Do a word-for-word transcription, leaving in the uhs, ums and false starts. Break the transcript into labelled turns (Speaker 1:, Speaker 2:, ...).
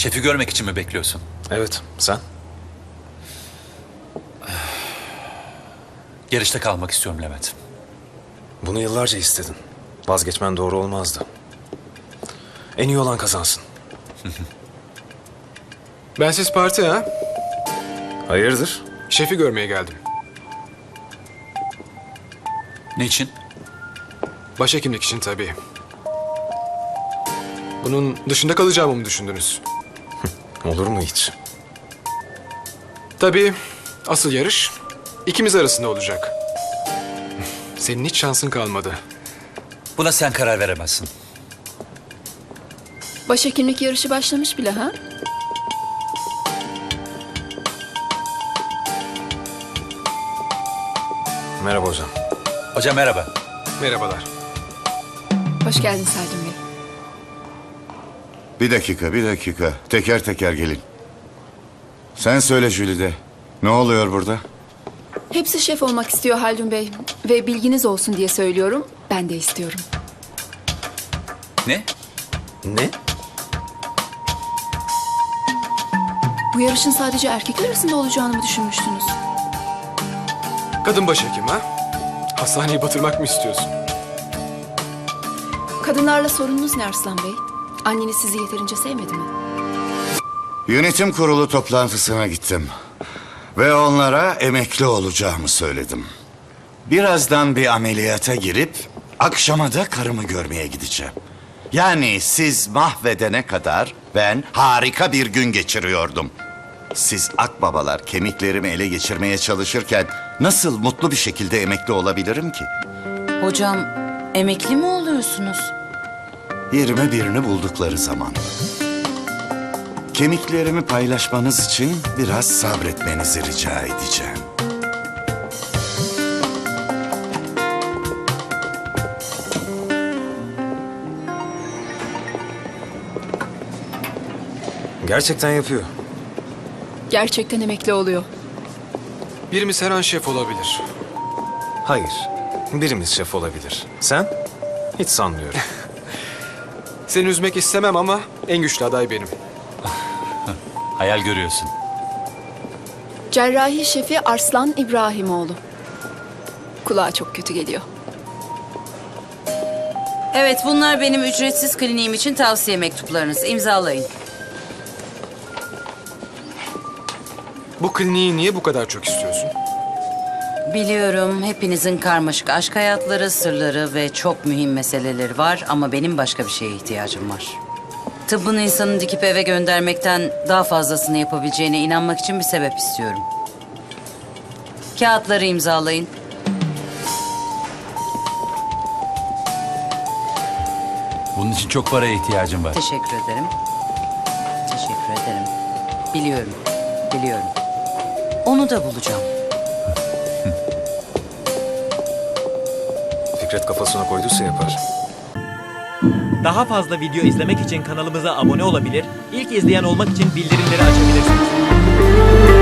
Speaker 1: Şefi görmek için mi bekliyorsun?
Speaker 2: Evet, sen?
Speaker 1: Yarışta kalmak istiyorum Levent.
Speaker 2: Bunu yıllarca istedin. Vazgeçmen doğru olmazdı. En iyi olan kazansın.
Speaker 3: Bensiz parti ha?
Speaker 2: Hayırdır?
Speaker 3: Şefi görmeye geldim.
Speaker 1: Niçin?
Speaker 3: Başhekimlik için tabii. Bunun dışında kalacağımı mı düşündünüz?
Speaker 2: Olur mu hiç?
Speaker 3: Tabii asıl yarış ikimiz arasında olacak. Senin hiç şansın kalmadı.
Speaker 1: Buna sen karar veremezsin.
Speaker 4: Başhekimlik yarışı başlamış bile ha?
Speaker 2: Merhaba hocam.
Speaker 1: Hocam merhaba.
Speaker 3: Merhabalar.
Speaker 4: Hoş geldin Salim Bey.
Speaker 5: Bir dakika, bir dakika. Teker teker gelin. Sen söyle Jülide. Ne oluyor burada?
Speaker 4: Hepsi şef olmak istiyor Haldun Bey. Ve bilginiz olsun diye söylüyorum. Ben de istiyorum.
Speaker 1: Ne?
Speaker 2: Ne?
Speaker 4: Bu yarışın sadece erkekler arasında olacağını mı düşünmüştünüz?
Speaker 3: Kadın başhekim ha? Hastaneyi batırmak mı istiyorsun?
Speaker 4: Kadınlarla sorununuz ne Arslan Bey? Anneniz sizi yeterince sevmedi mi?
Speaker 5: Yönetim kurulu toplantısına gittim. Ve onlara emekli olacağımı söyledim. Birazdan bir ameliyata girip akşama da karımı görmeye gideceğim. Yani siz mahvedene kadar ben harika bir gün geçiriyordum. Siz akbabalar kemiklerimi ele geçirmeye çalışırken nasıl mutlu bir şekilde emekli olabilirim ki?
Speaker 6: Hocam, emekli mi oluyorsunuz?
Speaker 5: Yirmi birini buldukları zaman. Kemiklerimi paylaşmanız için biraz sabretmenizi rica edeceğim.
Speaker 2: Gerçekten yapıyor.
Speaker 4: Gerçekten emekli oluyor.
Speaker 3: Birimiz her an şef olabilir.
Speaker 2: Hayır. Birimiz şef olabilir. Sen? Hiç sanmıyorum.
Speaker 3: Seni üzmek istemem ama en güçlü aday benim.
Speaker 1: Hayal görüyorsun.
Speaker 4: Cerrahi şefi Arslan İbrahimoğlu. Kulağa çok kötü geliyor.
Speaker 6: Evet, bunlar benim ücretsiz kliniğim için tavsiye mektuplarınız. İmzalayın.
Speaker 3: Bu kliniği niye bu kadar çok istiyorsun?
Speaker 6: Biliyorum hepinizin karmaşık aşk hayatları, sırları ve çok mühim meseleleri var ama benim başka bir şeye ihtiyacım var. Tıbbın insanı dikip eve göndermekten daha fazlasını yapabileceğine inanmak için bir sebep istiyorum. Kağıtları imzalayın.
Speaker 1: Bunun için çok paraya ihtiyacım var.
Speaker 6: Teşekkür ederim. Teşekkür ederim. Biliyorum, biliyorum. Onu da bulacağım.
Speaker 2: Fikret kafasına koyduysa yapar.
Speaker 7: Daha fazla video izlemek için kanalımıza abone olabilir, ilk izleyen olmak için bildirimleri açabilirsiniz.